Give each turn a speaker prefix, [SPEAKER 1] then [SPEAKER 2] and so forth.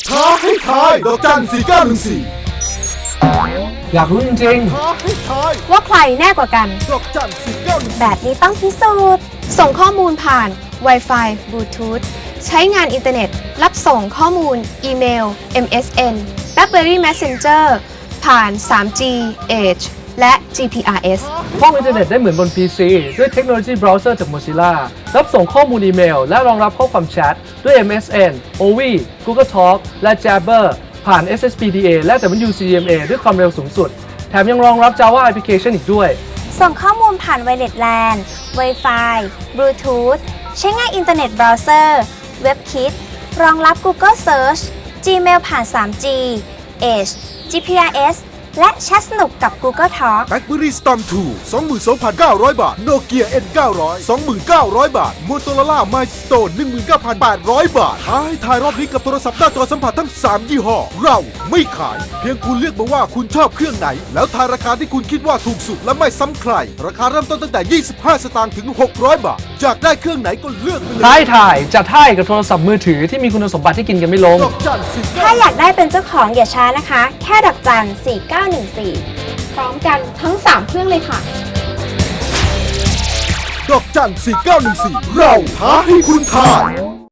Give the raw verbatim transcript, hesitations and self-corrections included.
[SPEAKER 1] ท้าให้ทายดอกจันสี่เก้าหนึ่งสี่
[SPEAKER 2] อยากรู้จริงๆ
[SPEAKER 1] ท้าให้ทาย
[SPEAKER 3] ว่าใครแน่กว่ากัน
[SPEAKER 1] ดอกจันสี่เก้าหนึ่ง
[SPEAKER 3] แบบนี้ต้องพิสูจน์ ส่งข้อมูลผ่าน Wi-Fi Bluetooth ใช้งานอินเทอร์เน็ต รับส่งข้อมูล อีเมล เอ็ม เอส เอ็น BlackBerry Messenger ผ่าน ทรี จี Edge และ จี พี อาร์ เอส
[SPEAKER 2] ห้องอินเทอร์เน็ตได้เหมือนบน พี ซี ด้วยเทคโนโลยีเบราว์เซอร์จาก Mozilla รับส่งข้อมูลอีเมล และรองรับข้อความแชทด้วย เอ็ม เอส เอ็น โอ วี Google Talk และ Jabber ผ่าน เอส เอส พี ดี เอ และ ดับเบิลยู ซี เอ็ม เอ ด้วยความเร็วสูงสุด แถมยังรองรับ Java Application อีกด้วย
[SPEAKER 4] ส่งข้อมูลผ่าน Wireless แลน Wi-Fi Bluetooth ใช้งานอินเทอร์เน็ตเบราว์เซอร์ WebKit รองรับ Google Search Gmail ผ่าน ทรี จี Edge จี พี อาร์ เอส และแชทสนุกกับ Google Talk
[SPEAKER 1] BlackBerry Storm ทู สองหมื่นสองพันเก้าร้อย บาท Nokia เอ็น เก้าร้อย สองหมื่นเก้าร้อย บาท Motorola Milestone หนึ่งหมื่นเก้าพันแปดร้อย บาทท้าให้ทายรอบนี้กับโทรศัพท์หน้าจอสัมผัสทั้งสามยี่ห้อเราไม่ขายเพียงคุณเลือกมาว่าคุณชอบเครื่องไหนแล้วทายราคาที่คุณคิดว่าถูกสุดและไม่ซ้ำใครราคาเริ่มต้นตั้งแต่ยี่สิบห้าสตางค์ถึงหกร้อยบาทอยากได้เครื่องไหนก็เลือกไปเลย
[SPEAKER 2] ท้ายถ่ายจัดให้กับโทรศัพท์มือถือที่มีคุณสมบัติที่กินกันไม่ลง
[SPEAKER 1] ดอกจันสี่
[SPEAKER 4] ถ้าอยากได้เป็นเจ้าของอย่าช้านะคะ แค่ดอกจันสี่เก้าหนึ่งสี่
[SPEAKER 3] พร้อมกันทั้ง สาม เครื่องเลยค่ะ
[SPEAKER 1] ดอกจันสี่เก้าหนึ่งสี่เราท้าให้คุณทาย